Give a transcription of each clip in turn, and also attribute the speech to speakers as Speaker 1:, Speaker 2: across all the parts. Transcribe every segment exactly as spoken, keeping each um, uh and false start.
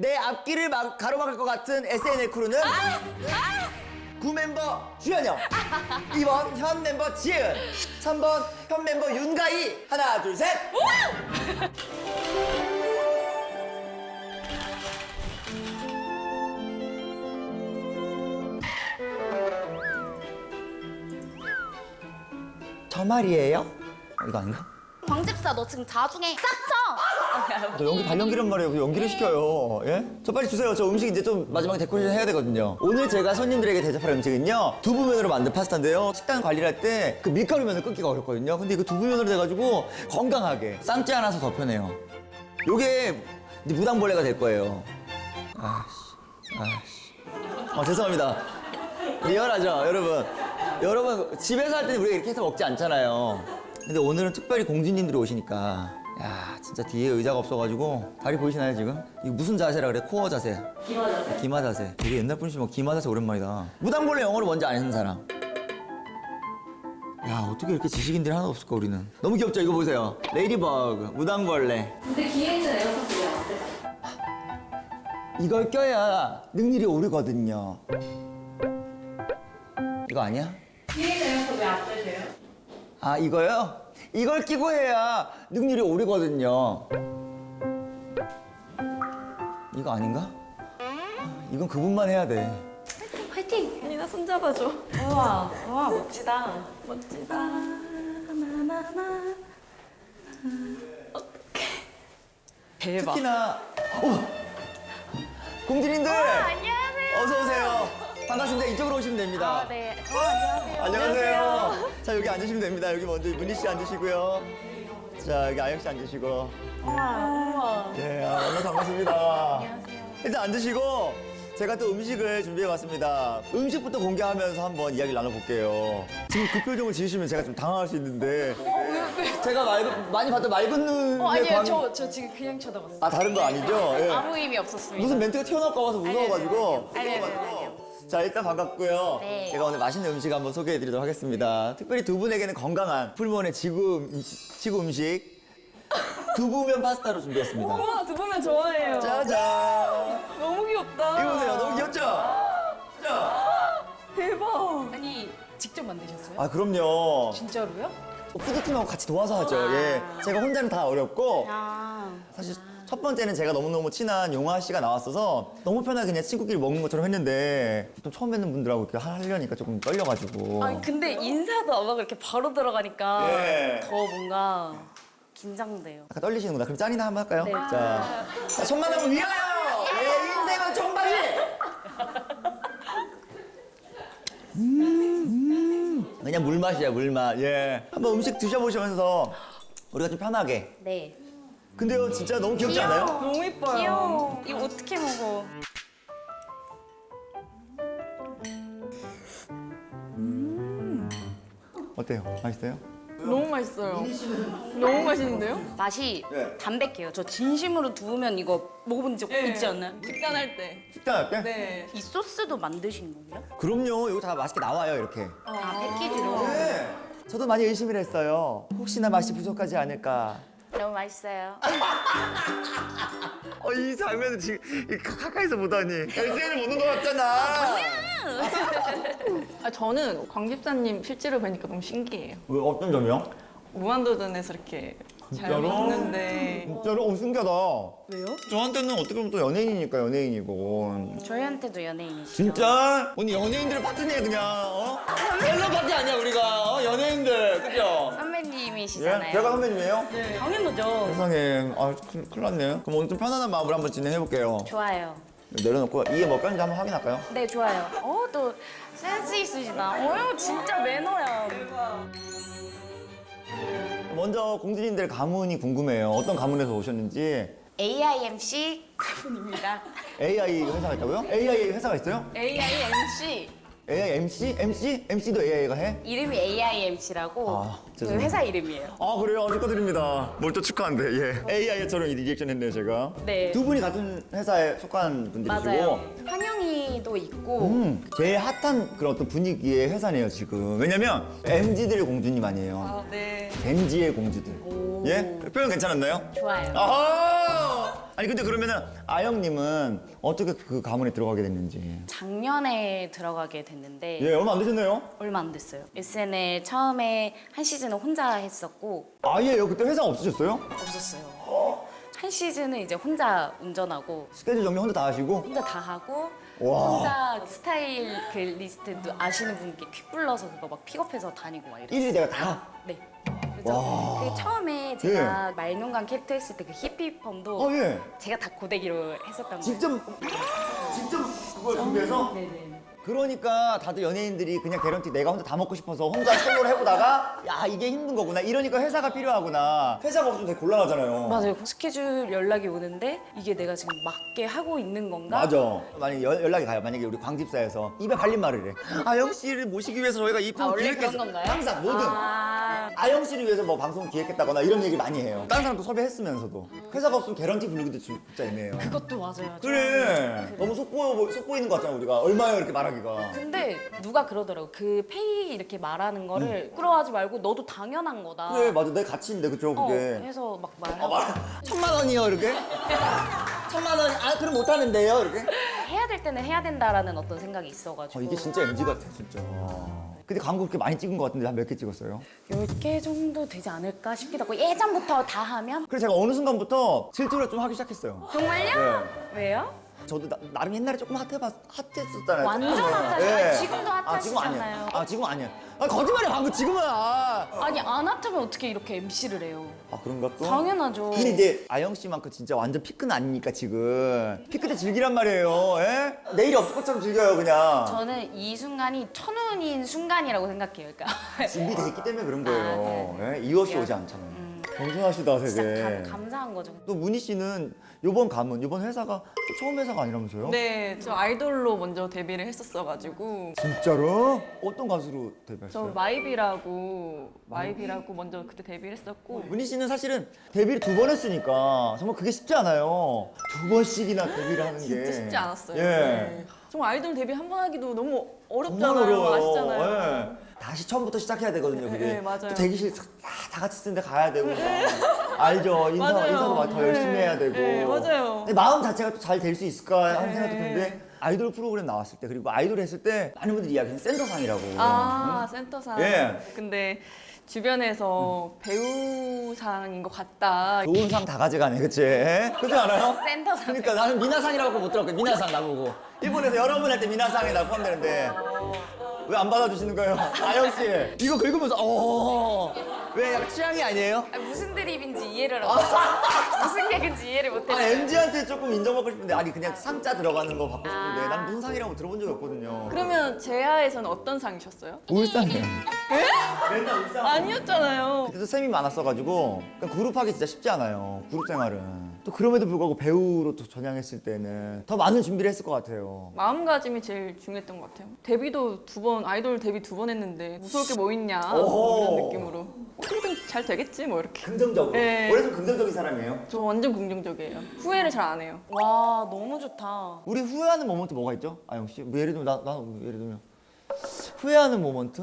Speaker 1: 내 앞길을 막 가로막을 것 같은 에스엔엘 크루는 구 멤버 주현영, 이 번 현 멤버 지은, 삼 번 현 멤버 윤가희. 하나 둘 셋. 저 말이에요? 어, 이거 아닌가?
Speaker 2: 광집사 너 지금 자중해 싹쳐.
Speaker 1: 저 연기 발연기란 말이에요. 그 연기를 시켜요. 예? 저 빨리 주세요. 저 음식 이제 좀 마지막에 데코레이션 해야 되거든요. 오늘 제가 손님들에게 대접할 음식은요, 두부면으로 만든 파스타인데요. 식단 관리를 할 때 그 밀가루면을 끊기가 어렵거든요. 근데 이거 두부면으로 돼가지고 건강하게 쌈지 않아서 더 편해요. 요게 이제 무당벌레가 될 거예요. 아씨, 아씨. 어, 죄송합니다. 리얼하죠, 여러분. 여러분 집에서 할 때는 우리가 이렇게 해서 먹지 않잖아요. 근데 오늘은 특별히 공주님들이 오시니까, 야 진짜 뒤에 의자가 없어가지고. 다리 보이시나요 지금? 이거 무슨 자세라 그래? 코어 자세.
Speaker 2: 기마 자세.
Speaker 1: 기마 자세. 되게 옛날 분이시면 기마 자세 오랜만이다. 무당벌레 영어로 뭔지 아는 사람. 야 어떻게 이렇게 지식인들이 하나도 없을까 우리는. 너무 귀엽죠? 이거 보세요. 레이디버그, 무당벌레.
Speaker 2: 근데 기회는 에어컨이 안 돼.
Speaker 1: 이걸 껴야 능률이 오르거든요. 이거 아니야?
Speaker 2: 기회는 에어컨 왜안 되세요?
Speaker 1: 아 이거요? 이걸 끼고 해야 능률이 오르거든요. 이거 아닌가? 이건 그분만 해야 돼.
Speaker 2: 화이팅!
Speaker 3: 언니 나 손잡아줘.
Speaker 2: 우와, 우와 멋지다.
Speaker 3: 멋지다. 나나나. 어떡해. 대박.
Speaker 1: 특히나 어! 공주님들!
Speaker 2: 안녕하세요.
Speaker 1: 어서 오세요. 반갑습니다. 이쪽으로 오시면 됩니다.
Speaker 2: 아, 네. 어, 안녕하세요.
Speaker 1: 안녕하세요. 자 여기 앉으시면 됩니다. 여기 먼저 문희 씨 앉으시고요. 자 여기 아영 씨 앉으시고.
Speaker 2: 우와.
Speaker 1: 예, 아, 너무 반갑습니다. 안녕하세요. 일단 앉으시고 제가 또 음식을 준비해봤습니다. 음식부터 공개하면서 한번 이야기를 나눠볼게요. 지금 그 표정을 지으시면 제가 좀 당황할 수 있는데 제가 맑은, 많이 봤던 맑은 눈의
Speaker 3: 어 아니에요.
Speaker 1: 광...
Speaker 3: 저, 저 지금 그냥 쳐다봤어요.
Speaker 1: 아 다른 거 아니죠? 예.
Speaker 2: 아무 의미 없었습니다.
Speaker 1: 무슨 멘트가 튀어나올까 봐서 무서워가지고.
Speaker 2: 아니, 아니, 아니,
Speaker 1: 무서워가지고. 자 일단 반갑고요.
Speaker 2: 네.
Speaker 1: 제가 오늘 맛있는 음식 한번 소개해드리도록 하겠습니다. 특별히 두 분에게는 건강한 풀무원의 지구, 음식, 지구 음식 두부면 파스타로 준비했습니다.
Speaker 3: 우와 두부면 좋아해요.
Speaker 1: 짜잔.
Speaker 3: 너무 귀엽다.
Speaker 1: 이거 보세요. 너무 귀엽죠? 자.
Speaker 3: 대박.
Speaker 2: 아니, 직접 만드셨어요?
Speaker 1: 아 그럼요.
Speaker 2: 진짜로요?
Speaker 1: 푸드팀하고 같이 도와서 하죠. 예. 제가 혼자는 다 어렵고
Speaker 2: 아.
Speaker 1: 사실 첫 번째는 제가 너무너무 친한 용화 씨가 나왔어서 너무 편하게 그냥 친구끼리 먹는 것처럼 했는데 또 처음 뵙는 분들하고 이렇게 하려니까 조금 떨려가지고.
Speaker 2: 아니, 근데 인사도 안 하고 이렇게 바로 들어가니까
Speaker 1: 예.
Speaker 2: 더 뭔가 긴장돼요.
Speaker 1: 아까 떨리시는구나. 그럼 짠이나 한번 할까요?
Speaker 2: 네.
Speaker 1: 자, 자 천만원 위하여! 내 인생은 청바지! 음, 음. 그냥 물맛이야, 물맛. 예. 한번 음식 드셔보시면서 우리가 좀 편하게.
Speaker 2: 네.
Speaker 1: 근데요, 진짜 너무 귀엽지 않아요?
Speaker 3: 너무 이뻐요.
Speaker 2: 귀여워. 이거 어떻게 먹어?
Speaker 1: 어때요? 맛있어요?
Speaker 3: 너무 맛있어요. 너무 맛있는데요?
Speaker 2: 맛이
Speaker 1: 네.
Speaker 2: 담백해요. 저 진심으로 두우면 이거 먹어본 적
Speaker 3: 네.
Speaker 2: 있지 않나요?
Speaker 3: 식단할 때.
Speaker 1: 식단할게?
Speaker 3: 네.
Speaker 2: 이 소스도 만드신 거예요?
Speaker 1: 그럼요. 이거 다 맛있게 나와요, 이렇게.
Speaker 2: 아, 패키지로.
Speaker 1: 네. 저도 많이 의심을 했어요. 혹시나 맛이 부족하지 않을까.
Speaker 2: 너무 맛있어요.
Speaker 1: 어, 이 장면을 지금 이 가- 가까이서 보다니. 에스엔을 보는 것 같잖아.
Speaker 3: 아 저는 광집사님 실제로 뵈니까 너무 신기해요.
Speaker 1: 왜, 어떤 점이요?
Speaker 3: 무한도전에서 이렇게 잘
Speaker 1: 진짜로?
Speaker 3: 먹는데
Speaker 1: 진짜로? 어, 신기하다.
Speaker 2: 왜요?
Speaker 1: 저한테는 어떻게 보면 또 연예인이니까 연예인이고.
Speaker 2: 저희한테도 연예인이시죠?
Speaker 1: 진짜? 오늘 연예인들을 파트네 그냥. 어? 셀럽 파티 아니야 우리가. 어? 연예인들. 그죠?
Speaker 2: 선배님이시잖아요.
Speaker 1: 예? 제가 선배님이에요?
Speaker 2: 당연하죠.
Speaker 1: 세상에. 아, 큰일, 큰일 났네요. 그럼 오늘 좀 편안한 마음으로 한번 진행해볼게요.
Speaker 2: 좋아요.
Speaker 1: 내려놓고 이게 뭐 꼈는지 한번 확인할까요?
Speaker 2: 네, 좋아요. 어, 또 센스 있으시다. 어, 진짜 매너야.
Speaker 1: 먼저 공주님들 가문이 궁금해요. 어떤 가문에서 오셨는지.
Speaker 2: 에이아이엠씨 가분입니다.
Speaker 1: 에이아이 회사가 있다고요? 에이아이 회사가 있어요?
Speaker 2: 에이아이엠씨.
Speaker 1: 에이아이 엠씨? 엠씨? 엠씨도 에이아이가 해?
Speaker 2: 이름이 에이아이엠씨라고
Speaker 1: 아,
Speaker 2: 그
Speaker 1: 죄송해요.
Speaker 2: 회사 이름이에요.
Speaker 1: 아 그래요? 축하드립니다. 뭘 또 축하한데 예. 에이아이처럼 이 리액션 했네요 제가.
Speaker 2: 네.
Speaker 1: 두 분이 같은 회사에 속한 분들이시고.
Speaker 2: 맞아요. 환영이도 있고
Speaker 1: 음, 제일 핫한 그런 어떤 분위기의 회사네요 지금. 왜냐면 엠지들의 공주님 아니에요.
Speaker 3: 아 네.
Speaker 1: 젠지의 공주들. 예? 표현 괜찮았나요?
Speaker 2: 좋아요.
Speaker 1: 아하! 아니 근데 그러면은 아영님은 어떻게 그 가문에 들어가게 됐는지.
Speaker 2: 작년에 들어가게 됐는데
Speaker 1: 예, 얼마 안 되셨네요?
Speaker 2: 얼마 안 됐어요. 에스엔엘 처음에 한 시즌은 혼자 했었고
Speaker 1: 아예요. 그때 회사 없으셨어요?
Speaker 2: 없었어요. 한 시즌은 이제 혼자 운전하고
Speaker 1: 스케줄 정리 혼자 다 하시고?
Speaker 2: 혼자 다 하고
Speaker 1: 와.
Speaker 2: 혼자 스타일 그 리스트도 아시는 분께 퀵 불러서 그거 막 픽업해서 다니고 막 이랬어요.
Speaker 1: 일일이 내가 다.
Speaker 2: 네. 그래서
Speaker 1: 와.
Speaker 2: 그 처음에 제가 말농강 캐릭터 했을 때 그 히피펌도
Speaker 1: 아 예.
Speaker 2: 제가 다 고데기로 했었던 거예요.
Speaker 1: 직접 직접 그걸 준비해서?
Speaker 2: 네네.
Speaker 1: 그러니까 다들 연예인들이 그냥 개런티 내가 혼자 다 먹고 싶어서 혼자 솔로를 해보다가 야 이게 힘든 거구나 이러니까 회사가 필요하구나. 회사가 없으면 되게 곤란하잖아요.
Speaker 2: 맞아요. 스케줄 연락이 오는데 이게 내가 지금 맞게 하고 있는 건가?
Speaker 1: 맞아. 만약에 연- 연락이 가요. 만약에 우리 광집사에서 입에 발린 말을 해. 아영 씨를 모시기 위해서 저희가 이
Speaker 2: 아,
Speaker 1: 프로
Speaker 2: 원래
Speaker 1: 기획했어.
Speaker 2: 그런 건가요?
Speaker 1: 항상 뭐든.
Speaker 2: 아,
Speaker 1: 아영 씨를 위해서 뭐 방송 기획했다거나 이런 얘기 많이 해요. 다른 사람도 섭외했으면서도 회사가 없으면 개런티 부르기도 진짜 애매해요.
Speaker 2: 그것도 맞아요.
Speaker 1: 그래. 너무 속보여 속보이는 것 같잖아 우리가 얼마예요 이렇게 말하기가.
Speaker 2: 근데 누가 그러더라고. 그 페이 이렇게 말하는 거를 부끄러워하지 말고 너도 당연한 거다.
Speaker 1: 그래 맞아 내 가치인데 그쵸
Speaker 2: 어,
Speaker 1: 그게.
Speaker 2: 해서 막
Speaker 1: 아,
Speaker 2: 말하고
Speaker 1: 말 천만 원이요 이렇게. 천만 원. 아 그럼 못 하는데요 이렇게.
Speaker 2: 해야 될 때는 해야 된다라는 어떤 생각이 있어가지고
Speaker 1: 어, 이게 진짜 엠지 같아 진짜. 근데 광고 그렇게 많이 찍은 것 같은데 한 몇 개 찍었어요?
Speaker 2: 열 개 정도 되지 않을까 싶기도 하고 예전부터 다 하면
Speaker 1: 그래서 제가 어느 순간부터 질투를 좀 하기 시작했어요.
Speaker 2: 정말요?
Speaker 1: 네.
Speaker 2: 왜요?
Speaker 1: 저도 나, 나름 옛날에 조금 핫해봤, 핫했었잖아요.
Speaker 2: 완전
Speaker 1: 조금은.
Speaker 2: 핫하죠. 지금도
Speaker 1: 아, 지금 아니야.
Speaker 2: 핫하시잖아요.
Speaker 1: 아, 지금 아니야. 아, 거짓말이야, 방금 지금은. 아,
Speaker 2: 아니 안 핫하면 어떻게 이렇게 엠시를 해요?
Speaker 1: 아 그런가 또?
Speaker 2: 당연하죠.
Speaker 1: 근데 이제 아영 씨만큼 진짜 완전 피크는 아니니까 지금. 피크 때 즐기란 말이에요. 예? 내일이 없을 것처럼 즐겨요, 그냥.
Speaker 2: 저는 이 순간이 천운인 순간이라고 생각해요. 그러니까
Speaker 1: 준비돼 있기 때문에 그런 거예요. 예? 이유 없이 오지 않잖아요. 겸손하시다, 되게.
Speaker 2: 진짜 감, 감사한 거죠.
Speaker 1: 또 문희 씨는 요번 가문, 요번 회사가 또 처음 회사가 아니라면서요?
Speaker 3: 네, 저 아이돌로 먼저 데뷔를 했었어가지고
Speaker 1: 진짜로? 어떤 가수로
Speaker 3: 저
Speaker 1: 데뷔했어요?
Speaker 3: 마이비라고 마이비라고 먼저 그때 데뷔를 했었고
Speaker 1: 문희 씨는 사실은 데뷔를 두 번 했으니까 정말 그게 쉽지 않아요. 두 번씩이나 데뷔를 하는 게.
Speaker 3: 진짜 쉽지 않았어요.
Speaker 1: 예.
Speaker 3: 네. 정말 아이돌 데뷔 한 번 하기도 너무 어렵잖아요.
Speaker 1: 정말 어려워요.
Speaker 3: 아시잖아요.
Speaker 1: 예. 다시 처음부터 시작해야 되거든요, 그게.
Speaker 3: 네, 맞아요.
Speaker 1: 또 대기실 다, 다 같이 쓰는데 가야 되고. 막. 알죠. 인사,
Speaker 3: 맞아요.
Speaker 1: 인사도 막 더
Speaker 3: 네.
Speaker 1: 열심히 해야 되고.
Speaker 3: 네, 맞아요.
Speaker 1: 근데 마음 자체가 또 잘 될 수 있을까 하는
Speaker 3: 네.
Speaker 1: 생각도 드는데 아이돌 프로그램 나왔을 때 그리고 아이돌 했을 때 많은 분들이 이야기하는 센터상이라고.
Speaker 3: 아, 센터상.
Speaker 1: 예.
Speaker 3: 근데 주변에서 배우상인 것 같다.
Speaker 1: 좋은 상 다 가져가네, 그치? 그렇지 않아요?
Speaker 2: 센터상.
Speaker 1: 그러니까 나는 미나상이라고 못 들었거든. 미나상 나보고 일본에서 여러분 할 때 미나상에 나 포함되는데 왜 안 받아주시는 거예요? 아영 씨 이거 긁으면서 어왜 약간 취향이 아니에요?
Speaker 2: 아, 무슨 드립인지 이해를 안 무슨 개그인지 이해를
Speaker 1: 아
Speaker 2: 못했어요.
Speaker 1: 엠지한테 조금 인정받고 싶은데 아니 그냥 상자 들어가는 거 받고 싶은데 난 무슨 상이라고 들어본 적이 없거든요.
Speaker 3: 그러면 제아에서는 어떤 상이셨어요?
Speaker 1: 울상이에요. 맨날 울상.
Speaker 3: 아니었잖아요.
Speaker 1: 그때도 셈이 많았어가지고 그러니까 그룹하기 진짜 쉽지 않아요. 그룹 생활은. 또 그럼에도 불구하고 배우로 또 전향했을 때는 더 많은 준비를 했을 것 같아요.
Speaker 3: 마음가짐이 제일 중요했던 것 같아요. 데뷔도 두 번, 아이돌 데뷔 두 번 했는데 무서울 게 뭐 있냐
Speaker 1: 오호.
Speaker 3: 이런 느낌으로 어떻게든 잘 되겠지 뭐 이렇게.
Speaker 1: 긍정적으로.
Speaker 3: 네.
Speaker 1: 원래 좀 긍정적인 사람이에요.
Speaker 3: 저 완전 긍정적이에요. 후회를 잘 안 해요.
Speaker 2: 와 너무 좋다.
Speaker 1: 우리 후회하는 모먼트 뭐가 있죠? 아영 씨? 뭐 예를 들면 나, 나 예를 들면 후회하는 모먼트?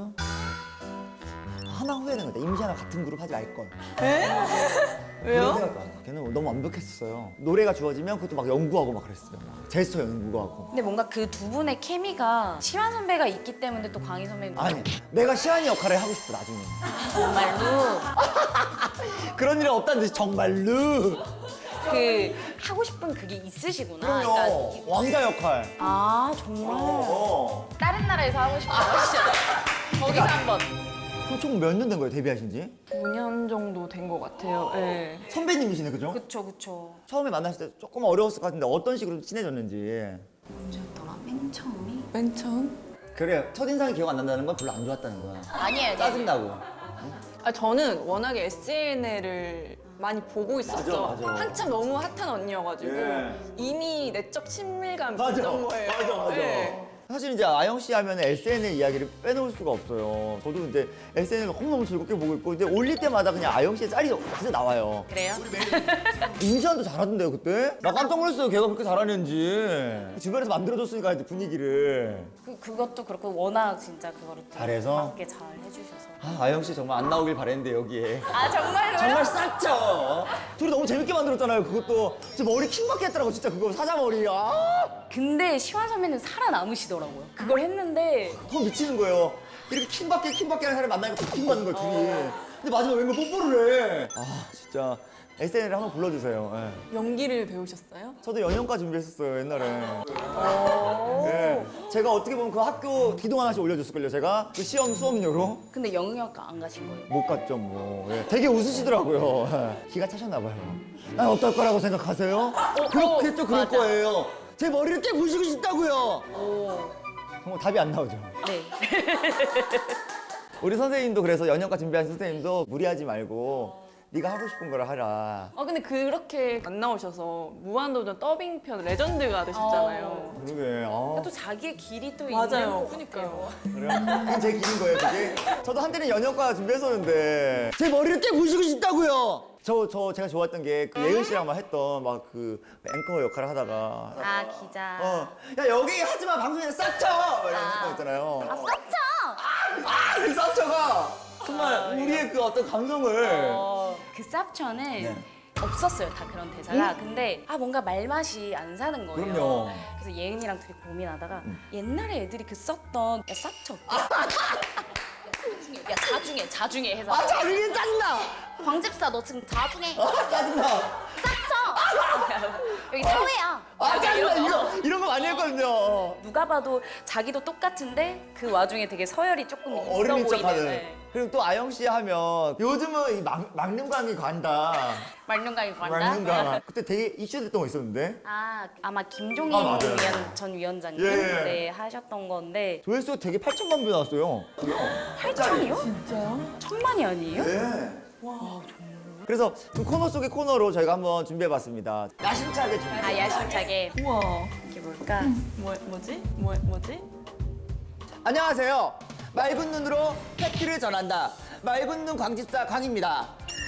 Speaker 1: 하나 후회되는 거다. 임시하나 같은 그룹 하지 말 걸.
Speaker 3: 에?
Speaker 1: 그런
Speaker 3: 왜요?
Speaker 1: 생각도 안 해. 걔는 너무 완벽했었어요. 노래가 주어지면 그것도 막 연구하고 막 그랬어요. 막 제스처 연구하고.
Speaker 2: 근데 뭔가 그 두 분의 케미가 시환 선배가 있기 때문에 또 광희 선배님
Speaker 1: 아니, 내가 시안이 역할을 하고 싶어 나중에.
Speaker 2: 정말로
Speaker 1: 그런 일은 없다는 듯이 정말로.
Speaker 2: 그 하고 싶은 그게 있으시구나.
Speaker 1: 그럼요.
Speaker 2: 그러니까
Speaker 1: 왕자 역할.
Speaker 2: 아 정말
Speaker 1: 어.
Speaker 2: 다른 나라에서 하고 싶은 거 하시죠. 거기서 한번.
Speaker 1: 그럼 총 몇 년 된 거예요 데뷔하신 지?
Speaker 3: 오 년 정도 된 것 같아요. 네.
Speaker 1: 선배님이시네 그죠?
Speaker 2: 그쵸 그쵸.
Speaker 1: 처음에 만났을 때 조금 어려웠을 것 같은데 어떤 식으로 친해졌는지.
Speaker 2: 언제였더라? 맨 처음이?
Speaker 3: 맨 처음?
Speaker 1: 그래요. 첫인상이 기억 안 난다는 건 별로 안 좋았다는 거야.
Speaker 2: 아니에요.
Speaker 1: 짜증나고.
Speaker 3: 아 저는 워낙에 에스엔엘을 많이 보고 있었죠.
Speaker 1: 맞아, 맞아.
Speaker 3: 한참 너무 핫한 언니여가지고
Speaker 1: 예.
Speaker 3: 이미 내적 친밀감이
Speaker 1: 맞아.
Speaker 3: 있었던 거예요.
Speaker 1: 맞아, 맞아.
Speaker 3: 네.
Speaker 1: 사실 이제 아영 씨 하면 에스엔엘 이야기를 빼놓을 수가 없어요. 저도 이제 에스엔엘 너무너무 즐겁게 보고 있고 이제 올릴 때마다 그냥 아영 씨의 짤이 진짜 나와요.
Speaker 2: 그래요?
Speaker 1: 임시완도 잘하던데요 그때? 나 깜짝 놀랐어요 걔가 그렇게 잘하는지. 주변에서 만들어줬으니까 이제 분위기를.
Speaker 2: 그, 그것도 그렇고 워낙 진짜 그거를 또
Speaker 1: 잘해서?
Speaker 2: 맞게 잘 해주셔서.
Speaker 1: 아, 아영 씨 정말 안 나오길 바랬는데 여기에.
Speaker 2: 아 정말로요?
Speaker 1: 정말 쌌죠. 둘이 너무 재밌게 만들었잖아요. 그것도 제 머리 킹받게 했더라고 진짜 그거 사자머리. 아,
Speaker 2: 근데 시완 선배는 살아남으시더라고요. 그걸 했는데
Speaker 1: 더 미치는 거예요. 이렇게 킹받게 킹받게 하는 사람 만나니까 더 킹받는 거야 둘이. 근데 마지막에 웬걸 뽀뽀를 해. 아 진짜 에스엔엘에 한번 불러주세요. 예.
Speaker 3: 연기를 배우셨어요?
Speaker 1: 저도 연영과 준비했었어요 옛날에.
Speaker 2: 오.
Speaker 1: 예. 제가 어떻게 보면 그 학교 기동 하나씩 올려줬을걸요 제가 그 시험 수업료로.
Speaker 2: 근데 영역과 안 가신 거예요?
Speaker 1: 못 갔죠 뭐. 예. 되게 웃으시더라고요. 예. 기가 차셨나 봐요. 아 어떨 거라고 생각하세요? 그렇겠죠 그럴
Speaker 2: 맞아.
Speaker 1: 거예요. 제 머리를 깨 부시고 싶다고요.
Speaker 2: 오.
Speaker 1: 정말 답이 안 나오죠.
Speaker 2: 네.
Speaker 1: 우리 선생님도 그래서 연영과 준비한 선생님도 무리하지 말고 네가 하고 싶은 걸 하라.
Speaker 3: 아 근데 그렇게 안 나오셔서 무한도전 더빙편 레전드가 되셨잖아요.
Speaker 1: 그러게. 아.
Speaker 2: 또 자기의 길이 또
Speaker 3: 맞아요.
Speaker 2: 있는
Speaker 3: 그러니까요.
Speaker 1: 그래요? 그게 제 길인 거예요, 그게? 저도 한때는 연영과 준비했었는데 제 머리를 깨 부시고 싶다고요. 저, 저 제가 좋아했던 게 그 예은 씨랑만 했던 막 그 앵커 역할을 하다가
Speaker 2: 아 기자.
Speaker 1: 어, 야 여기 하지 마 방송에 싹쳐 이런 거 있잖아요.
Speaker 2: 아 쌉쳐!
Speaker 1: 아, 그 싹쳐가 정말 우리의 그 어떤 감성을.
Speaker 2: 어, 그 쌉쳐는
Speaker 1: 네.
Speaker 2: 없었어요 다 그런 대사가. 근데 아 뭔가 말맛이 안 사는 거예요.
Speaker 1: 그럼요.
Speaker 2: 그래서 예은이랑 둘이 고민하다가 옛날에 애들이 그 썼던 야 쌉쳐. 야 자중해 자중해 해서
Speaker 1: 아, 자르기 짜증나.
Speaker 2: 광집사 너 지금 자중해
Speaker 1: 아, 짜증나.
Speaker 2: 쌉쳐. 여기 사회야.
Speaker 1: 아, 짜증나.
Speaker 2: 이런 거.
Speaker 1: 이거 이런 거 많이 했거든요.
Speaker 2: 누가 봐도 자기도 똑같은데 그 와중에 되게 서열이 조금 있어
Speaker 1: 어린이
Speaker 2: 보이는.
Speaker 1: 척하는.
Speaker 2: 네.
Speaker 1: 그리고 또 아영 씨 하면 요즘은 이 막, 막눈광이 간다.
Speaker 2: 말년강이 관다.
Speaker 1: 막눈광. 그때 되게 이슈됐던 거 있었는데.
Speaker 2: 아 아마 김종인
Speaker 1: 아, 맞아요.
Speaker 2: 위원, 전 위원장님
Speaker 1: 예.
Speaker 2: 네, 하셨던 건데
Speaker 1: 조회수가 되게 팔천만 뷰 나왔어요.
Speaker 2: 팔천이요?
Speaker 3: 진짜요?
Speaker 2: 천만이 아니에요?
Speaker 1: 네. 그래서 그 코너 속의 코너로 저희가 한번 준비해봤습니다. 야심차게 준비.
Speaker 2: 아 야심차게
Speaker 3: 우와.
Speaker 2: 이게 뭘까?
Speaker 3: 뭐 뭐지? 뭐 뭐지?
Speaker 1: 안녕하세요. 맑은 눈으로 팩트를 전한다. 맑은 눈 광집사 광입니다.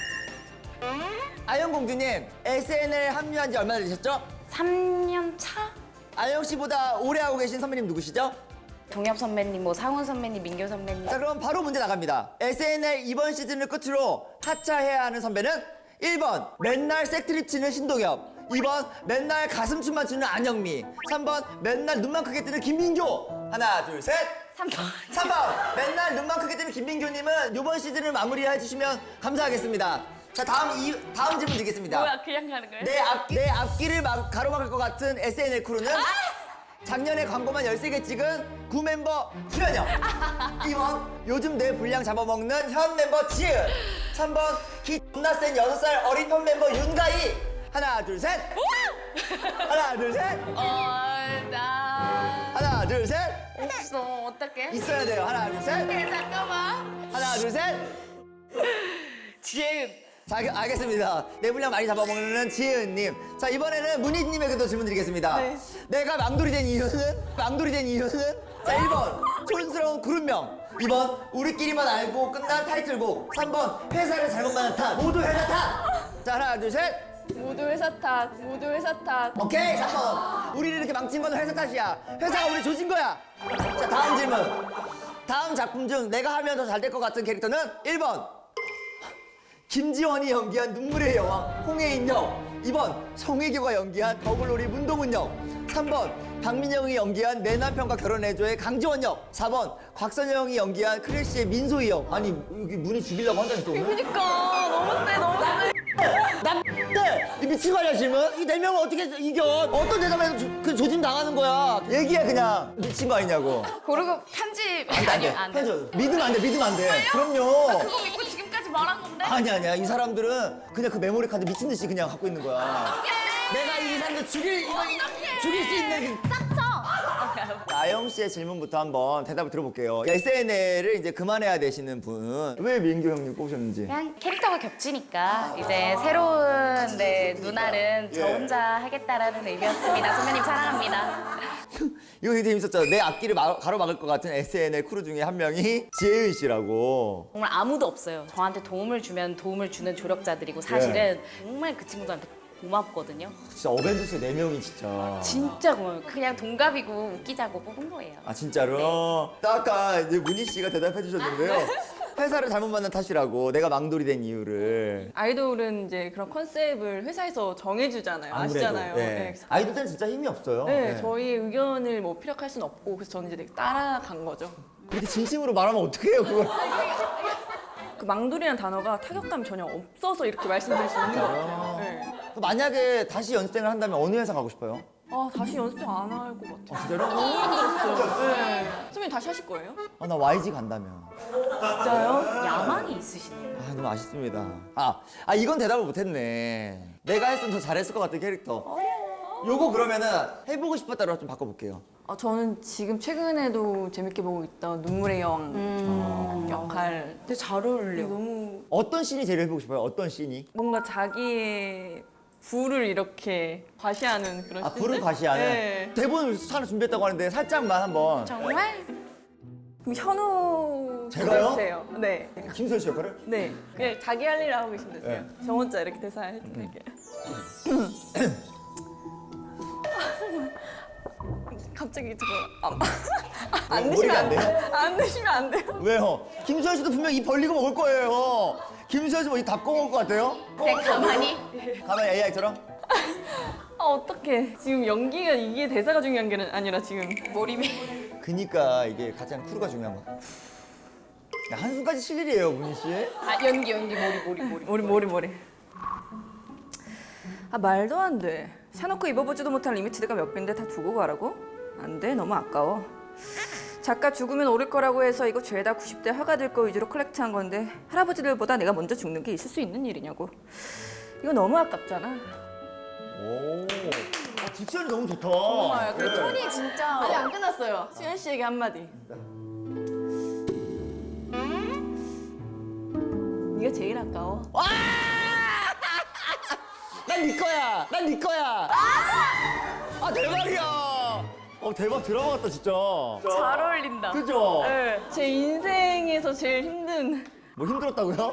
Speaker 1: 아영 공주님, 에스엔엘 합류한 지 얼마나 되셨죠?
Speaker 2: 삼 년 차?
Speaker 1: 아영 씨보다 오래 하고 계신 선배님 누구시죠?
Speaker 2: 동엽 선배님, 뭐 상훈 선배님, 민규 선배님.
Speaker 1: 자, 그럼 바로 문제 나갑니다. 에스엔엘 이번 시즌을 끝으로 하차해야 하는 선배는 일 번 맨날 색트립 치는 신동엽, 이 번 맨날 가슴춤만 추는 안영미, 삼 번 맨날 눈만 크게 뜨는 김민교. 하나, 둘, 셋.
Speaker 2: 삼 번.
Speaker 1: 삼 번 맨날 눈만 크게 뜨는 김민교님은 이번 시즌을 마무리해 주시면 감사하겠습니다. 자, 다음 이 다음 질문 드리겠습니다.
Speaker 2: 뭐야 그냥 가는 거예요?
Speaker 1: 내, 앞, 내 앞길을 막 가로막을 것 같은 에스엔엘 크루는 작년에 광고만 열세 개 찍은 구 멤버 수현영, 이 번 요즘 내 분량 잡아먹는 현 멤버 지은, 삼 번 키 존나 센 여섯 살 어린 현 멤버 윤가희. 하나 둘 셋. 하나 둘 셋.
Speaker 2: 어, 나
Speaker 1: 하나 둘 셋.
Speaker 2: 없어. 어떡해?
Speaker 1: 있어야 돼요. 하나 둘 셋.
Speaker 2: 네, 잠깐만.
Speaker 1: 하나 둘 셋.
Speaker 2: 지혜은.
Speaker 1: 자, 알- 알겠습니다. 내 분량 많이 잡아먹는 지은님. 자, 이번에는 문희님에게도 질문 드리겠습니다.
Speaker 3: 네.
Speaker 1: 내가 망돌이 된 이유는? 망돌이 된 이유는? 자, 일 번 촌스러운 그룹명, 이 번 우리끼리만 알고 끝난 타이틀곡, 삼 번 회사를 잘못 만난 탓. 모두 회사 탓. 자, 하나 둘 셋.
Speaker 3: 모두 회사 탓. 모두 회사 탓.
Speaker 1: 오케이, 삼 번 우리를 이렇게 망친 건 회사 탓이야. 회사가 우리 조진 거야. 자, 다음 질문. 다음 작품 중 내가 하면 더 잘 될 것 같은 캐릭터는 일 번 김지원이 연기한 눈물의 여왕 홍혜인 역, 이 번 송혜교가 연기한 더글로리 문동은 역, 삼 번 박민영이 연기한 내 남편과 결혼해줘의 강지원 역, 사 번 곽선영이 연기한 크래쉬의 민소희 역. 아니 여기 문이 죽이려고 한다니까 오늘?
Speaker 3: 그러니까 너무 세 너무 세.
Speaker 1: 남들 이 미친 거 아니야 지금? 이 네 명을 어떻게 이겨? 어떤 대답에서 조, 그 조짐 당하는 거야? 얘기해 그냥. 미친 거 아니냐고.
Speaker 2: 그리고 편집
Speaker 1: 안돼 안돼.
Speaker 2: 아니요, 안 돼.
Speaker 1: 믿으면 안돼 믿으면 안돼. 그럼요.
Speaker 2: 그거 믿고 지금까지 말한 건데?
Speaker 1: 아니 아니야 이 사람들은 그냥 그 메모리 카드 미친 듯이 그냥 갖고 있는 거야. 내가 이 사람들 죽일 이거 죽일 수 있는. 그-
Speaker 2: 짝쳐.
Speaker 1: 아영 씨의 질문부터 한번 대답을 들어볼게요. 에스엔엘을 이제 그만해야 되시는 분, 왜 민규 형님 꼽으셨는지.
Speaker 2: 그냥 캐릭터가 겹치니까 이제 새로운 네, 누나는 저
Speaker 1: 예.
Speaker 2: 혼자 하겠다라는 의미였습니다. 선배님 사랑합니다.
Speaker 1: 이거 되게 재밌었잖아. 내 앞길을 막- 가로막을 것 같은 에스엔엘 크루 중에 한 명이 지혜은 씨라고.
Speaker 2: 정말 아무도 없어요. 저한테 도움을 주면 도움을 주는 조력자들이고 사실은
Speaker 1: 예.
Speaker 2: 정말 그 친구들한테 고맙거든요.
Speaker 1: 진짜 어벤져스 네 명이 진짜.
Speaker 2: 진짜 고마워요. 그냥 동갑이고 웃기자고 뽑은 거예요.
Speaker 1: 아 진짜로? 아까 이제 문희 씨가 대답해 주셨는데요. 회사를 잘못 만난 탓이라고 내가 망돌이 된 이유를.
Speaker 3: 아이돌은 이제 그런 컨셉을 회사에서 정해주잖아요.
Speaker 1: 아무래도,
Speaker 3: 아시잖아요.
Speaker 1: 예.
Speaker 3: 네, 그래서
Speaker 1: 아이돌들은 진짜 힘이 없어요.
Speaker 3: 네,
Speaker 1: 예.
Speaker 3: 저희의 의견을 뭐 피력할 수는 없고 그래서 저는 이제 되게 따라간 거죠.
Speaker 1: 그렇게 진심으로 말하면 어떡해요 그걸.
Speaker 3: 그 망돌이라는 단어가 타격감이 전혀 없어서 이렇게 말씀드릴 수 있는 것 같아요. 네.
Speaker 1: 만약에 다시 연습생을 한다면 어느 회사 가고 싶어요?
Speaker 3: 아 다시 연습생 안 할 것 같아요.
Speaker 1: 진짜로?
Speaker 3: 너무 힘들었어요. 네. 선배님 다시 하실 거예요?
Speaker 1: 아, 나 와이지 간다면.
Speaker 3: 진짜요?
Speaker 2: 야망이 있으시네요.
Speaker 1: 아 너무 아쉽습니다. 아, 아 이건 대답을 못했네. 내가 했으면 더 잘했을 것 같은 캐릭터. 요거 그러면은 해보고 싶었다로 좀 바꿔볼게요.
Speaker 3: 아, 저는 지금 최근에도 재밌게 보고 있던 눈물의 여왕 역할.
Speaker 2: 근데 잘 어울려.
Speaker 3: 너무
Speaker 1: 어떤 씬이 제일 해보고 싶어요? 어떤 씬이?
Speaker 3: 뭔가 자기의 부를 이렇게 과시하는 그런
Speaker 1: 아
Speaker 3: 씬들?
Speaker 1: 불을 과시하는.
Speaker 3: 네.
Speaker 1: 대본을 하나 준비했다고 하는데 살짝만 한번.
Speaker 2: 정말?
Speaker 3: 그럼 현우
Speaker 1: 제가요?
Speaker 3: 해주세요. 네.
Speaker 1: 김선 씨 역할을?
Speaker 3: 네. 그냥 자기 할 일 하고 계시면 되세요.
Speaker 1: 네.
Speaker 3: 저 혼자 이렇게 대사 해드릴게요. 갑자기 저거 안, 안
Speaker 1: 머리가
Speaker 3: 드시면
Speaker 1: 안
Speaker 3: 안
Speaker 1: 돼요?
Speaker 3: 돼요. 안 드시면 안 돼요.
Speaker 1: 왜요? 김수현 씨도 분명 입 벌리고 먹을 거예요. 김수현 씨뭐 입 닫고 먹을 것 같아요?
Speaker 2: 그냥 가만히?
Speaker 1: 가만히 에이아이처럼?
Speaker 3: 아 어떡해. 지금 연기가 이게 대사가 중요한 게 아니라 지금
Speaker 2: 몰입이.
Speaker 1: 그니까 이게 가장 크루가 중요한 거야. 야, 한숨까지 쉴 일이에요, 문희 씨.
Speaker 2: 아 연기 연기 몰입 몰입 몰입.
Speaker 3: 머리 머리 머리. 아 말도 안 돼. 사놓고 입어보지도 못한 리미티드가 몇 개인데 다 두고 가라고? 안 돼. 너무 아까워. 작가 죽으면 오를 거라고 해서 이거 죄다 구십 대 화가 될 거 위주로 컬렉트한 건데 할아버지들보다 내가 먼저 죽는 게 있을 수 있는 일이냐고. 이거 너무 아깝잖아.
Speaker 1: 오. 아, 딕션이 너무 좋다.
Speaker 3: 정말 그
Speaker 1: 네.
Speaker 3: 톤이 진짜 아직 안 끝났어요. 수현 씨에게 한마디. 네가 제일 아까워.
Speaker 1: 난 네 거야. 난 네 거야. 아 대박이야. 어 대박 드라마 같다 진짜.
Speaker 2: 잘 어울린다.
Speaker 1: 그죠?
Speaker 3: 네, 제 인생에서 제일 힘든
Speaker 1: 뭐 힘들었다고요?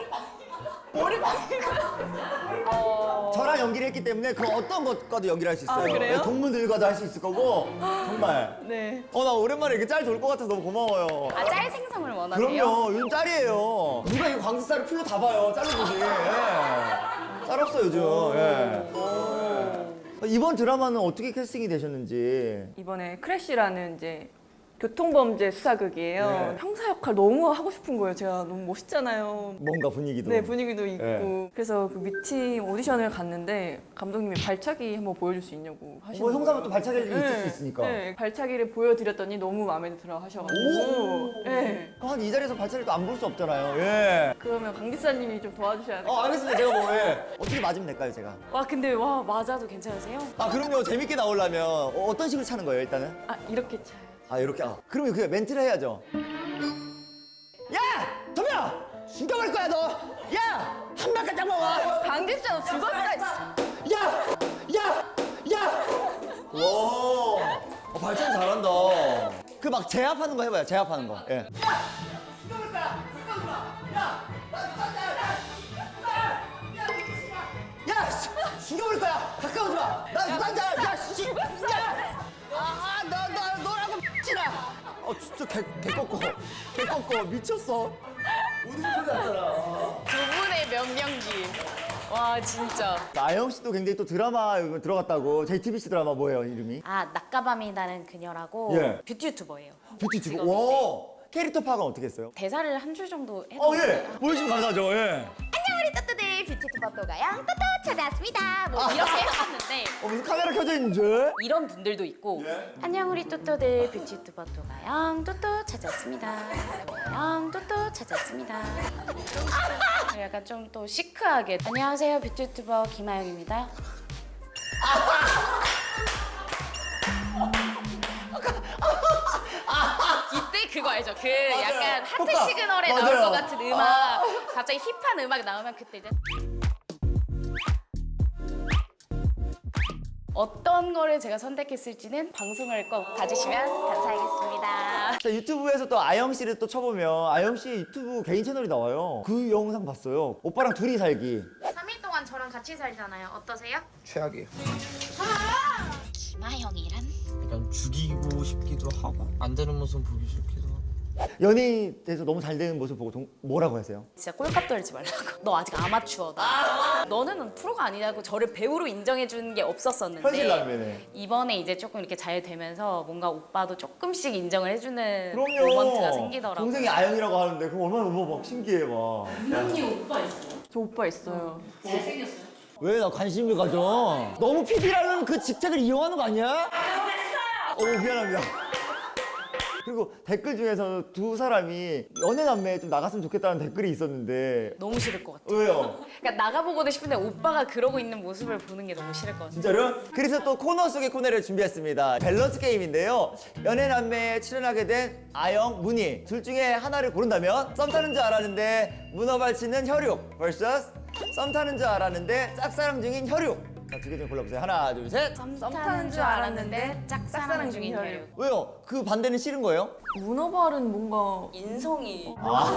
Speaker 1: 저랑 연기를 했기 때문에 그 어떤 것과도 연기를 할 수 있어요.
Speaker 3: 아, 그래요?
Speaker 1: 네, 동문들과도 할 수 있을 거고 정말.
Speaker 3: 네.
Speaker 1: 어 나 오랜만에 이렇게 짤 돌 것 같아서 너무 고마워요.
Speaker 2: 아 짤 생성을 원하세요?
Speaker 1: 그럼요. 요즘 짤이에요. 누가 이 광주살을 풀로 다 봐요. 짤로 보지. 예. 짤 없어 요즘. 예. 이번 드라마는 어떻게 캐스팅이 되셨는지.
Speaker 3: 이번에 크래쉬라는 이제 교통범죄 수사극이에요.
Speaker 1: 네.
Speaker 3: 형사 역할 너무 하고 싶은 거예요. 제가 너무 멋있잖아요.
Speaker 1: 뭔가 분위기도.
Speaker 3: 네, 분위기도 있고.
Speaker 1: 네.
Speaker 3: 그래서 그 미팅 오디션을 갔는데 감독님이 발차기 한번 보여줄 수 있냐고 하시는
Speaker 1: 뭐 형사면
Speaker 3: 거예요.
Speaker 1: 또 발차기를 있을 수 있으니까.
Speaker 3: 네, 발차기를 보여드렸더니 너무 마음에 들어 하셔가지고. 네.
Speaker 1: 한 이 자리에서 발차기를 또 안 볼 수 없잖아요. 예.
Speaker 3: 그러면 강 기사님이 좀 도와주셔야 돼요.
Speaker 1: 어 알겠습니다. 제가 뭐 예. 어떻게 맞으면 될까요, 제가?
Speaker 2: 와 근데 와 맞아도 괜찮으세요?
Speaker 1: 아 그럼요. 재밌게 나오려면 어, 어떤 식으로 차는 거예요, 일단은?
Speaker 3: 아, 이렇게 차요.
Speaker 1: 아 이렇게. 아, 그러면 그 멘트를 해야죠. 야, 도미야, 죽여버릴 거야 너. 야, 한 바퀴 딱 먹어.
Speaker 3: 강 기사 너 죽었어.
Speaker 1: 야, 야, 야. 와, 어, 발차기 잘한다. 그 막 제압하는 거 해봐요. 제압하는 거. 예. 야, 씨, 죽여버릴 거야. 가까우지 마. 나 유단자. 야, 씨. 죽었어. 아, 나, 나, 너라고 미치나. 어, 진짜 개, 개 꺾고. 개 꺾고. 미쳤어. 우리 소리 났잖아.
Speaker 2: 두 분의 명령기. 와 진짜.
Speaker 1: 나영 씨도 굉장히 또 드라마 이거 들어갔다고. 제이티비씨 드라마 뭐예요, 이름이?
Speaker 2: 아 낮가밤이 나는 그녀라고
Speaker 1: 예.
Speaker 2: 뷰티 유튜버예요.
Speaker 1: 뷰티 주고.
Speaker 2: 직업인데.
Speaker 1: 와. 캐릭터 파악은 어떻게 했어요?
Speaker 2: 대사를 한 줄 정도 해도
Speaker 1: 어, 예. 보여주시면 감사하죠, 예.
Speaker 2: 안녕 우리 또또들 뷰티 유튜버또가요 또또 찾아왔습니다. 뭐 이렇게 해봤는데
Speaker 1: 어, 무슨 카메라 켜져 있는 줄?
Speaker 2: 이런 분들도 있고
Speaker 1: 예.
Speaker 2: 안녕 우리 또또들 뷰티 유튜버 또가영 또또 찾아왔습니다. 또가영 또또 찾아왔습니다. 약간 좀 또 시크하게 안녕하세요 뷰티 유튜버 김아영입니다. 이때 그거 알죠? 그 약간 하트
Speaker 1: 효과.
Speaker 2: 시그널에
Speaker 1: 맞아요.
Speaker 2: 나올 것 같은 음악 갑자기 힙한 음악이 나오면 그때 이제 어떤 거를 제가 선택했을지는 방송을 꼭 봐주시면 감사하겠습니다.
Speaker 1: 자, 유튜브에서 또 아영 씨를 또 쳐보면 아영 씨 유튜브 개인 채널이 나와요. 그 영상 봤어요. 오빠랑 둘이 살기.
Speaker 2: 삼 일 동안 저랑 같이 살잖아요. 어떠세요?
Speaker 4: 최악이에요.
Speaker 2: 김하영이란?
Speaker 4: 약간 죽이고 싶기도 하고 안 되는 모습 보기 싫기도 하고.
Speaker 1: 연예인 돼서 너무 잘 되는 모습 보고 동- 뭐라고 하세요?
Speaker 2: 진짜 꼴값 떨지 말라고. 너 아직 아마추어다. 너는 프로가 아니라고 저를 배우로 인정해 주는 게 없었었는데
Speaker 1: 현실 라면에.
Speaker 2: 이번에 이제 조금 이렇게 잘 되면서 뭔가 오빠도 조금씩 인정을 해주는
Speaker 1: 그럼요.
Speaker 2: 모먼트가 생기더라고요.
Speaker 1: 동생이 아영이라고 하는데 그럼 얼마나 뭐 막 신기해 막.
Speaker 3: 저 오빠 있어요.
Speaker 1: 왜 나 관심을 가져? 너무 피디라는 그 직책을 이용하는 거 아니야? 어 미안합니다. 그리고 댓글 중에서 두 사람이 연애 남매에 좀 나갔으면 좋겠다는 댓글이 있었는데
Speaker 2: 너무 싫을 것 같아.
Speaker 1: 왜요?
Speaker 2: 그러니까 나가보고도 싶은데 오빠가 그러고 있는 모습을 보는 게 너무 싫을 것 같아.
Speaker 1: 진짜로? 그래서 또 코너 속의 코너를 준비했습니다. 밸런스 게임인데요. 연애 남매에 출연하게 된 아영, 문희 둘 중에 하나를 고른다면 썸 타는 줄 알았는데 문어 발치는 혈육 vs 썸 타는 줄 알았는데 짝사랑 중인 혈육. 자, 두 개 중 골라보세요. 하나, 둘, 셋.
Speaker 2: 썸
Speaker 3: 타는 줄 알았는데 짝사랑 중인
Speaker 2: 혈육.
Speaker 3: 혈육.
Speaker 1: 왜요? 그 반대는 싫은 거예요?
Speaker 3: 문어발은 뭔가
Speaker 2: 인성이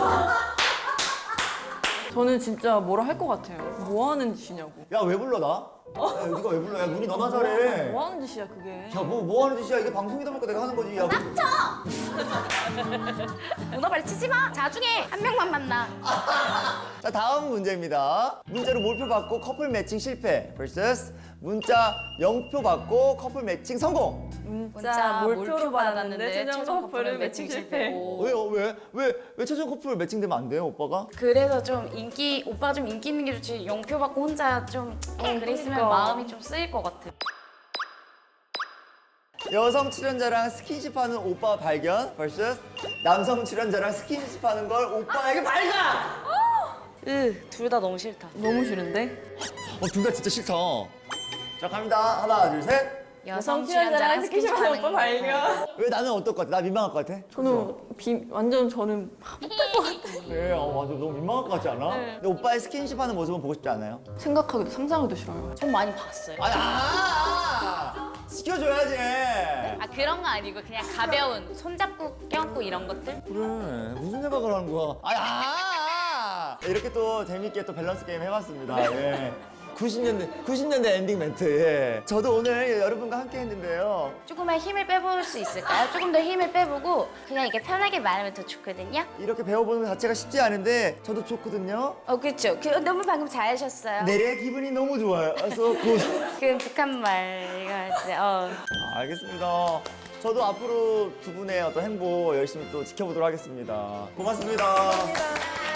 Speaker 3: 저는 진짜 뭐라 할 것 같아요. 뭐 하는 짓이냐고.
Speaker 1: 야, 왜 불러 나? 야, 네가 왜 불러? 야, 문희 너나 잘해.
Speaker 3: 뭐 하는 짓이야 그게.
Speaker 1: 야, 뭐, 뭐 하는 짓이야? 이게 방송이다 보니까 내가 하는 거지. 야, 뭐.
Speaker 2: 문어발 치지 마. 자중에 한 명만 만나.
Speaker 1: 자, 다음 문제입니다. 문자로 몰표 받고 커플 매칭 실패 vs 문자 영 표 받고 커플 매칭 성공.
Speaker 3: 문자 몰표로 받았는데 최종 커플은 매칭 실패.
Speaker 1: 왜요? 왜? 왜? 왜 최종 커플 매칭되면 안 돼요, 오빠가?
Speaker 2: 그래서 좀 인기 오빠가 좀 인기 있는 게 좋지. 영표 받고 혼자 좀 그랬으면
Speaker 3: 그러니까.
Speaker 2: 마음이 좀 쓰일 것 같아.
Speaker 1: 여성 출연자랑 스킨십하는 오빠 발견 vs 남성 출연자랑 스킨십하는 걸 오빠에게 발견.
Speaker 2: 으둘 다 너무 싫다.
Speaker 3: 너무 싫은데?
Speaker 1: 어, 둘 다 진짜 싫다. 자, 갑니다. 하나, 둘, 셋.
Speaker 2: 여성 출연자랑 스킨십하는
Speaker 3: 오빠 발견.
Speaker 1: 왜 나는 어떨 것 같아? 나 민망할 것 같아?
Speaker 3: 저는 비, 완전 저는
Speaker 1: 그래, 어, 맞아. 너무 민망할 것 같지 않아? 근데 오빠의 스킨십하는 모습은 보고 싶지 않아요?
Speaker 3: 생각하기도 상상하기도 싫어요.
Speaker 2: 좀 많이 봤어요.
Speaker 1: 아니, 아! 시켜줘야지.
Speaker 2: 아 그런 거 아니고 그냥 가벼운 손잡고 껴안고 이런 것들?
Speaker 1: 그래, 무슨 생각을 하는 거야? 아니, 아! 이렇게 또 재밌게 또 밸런스 게임 해봤습니다. 예. 구십 년대, 구십 년대 엔딩 멘트. 예. 저도 오늘 여러분과 함께 했는데요.
Speaker 2: 조금만 힘을 빼볼 수 있을까요? 조금 더 힘을 빼보고 그냥 이렇게 편하게 말하면 더 좋거든요.
Speaker 1: 이렇게 배워보는 것 자체가 쉽지 않은데 저도 좋거든요.
Speaker 2: 어 그렇죠. 그, 너무 방금 잘하셨어요.
Speaker 1: 내래 기분이 너무 좋아요. 그래서 그...
Speaker 2: 그 북한 말 이거 진짜 어.
Speaker 1: 아, 알겠습니다. 저도 앞으로 두 분의 어떤 행보 열심히 또 지켜보도록 하겠습니다. 고맙습니다.
Speaker 3: 감사합니다.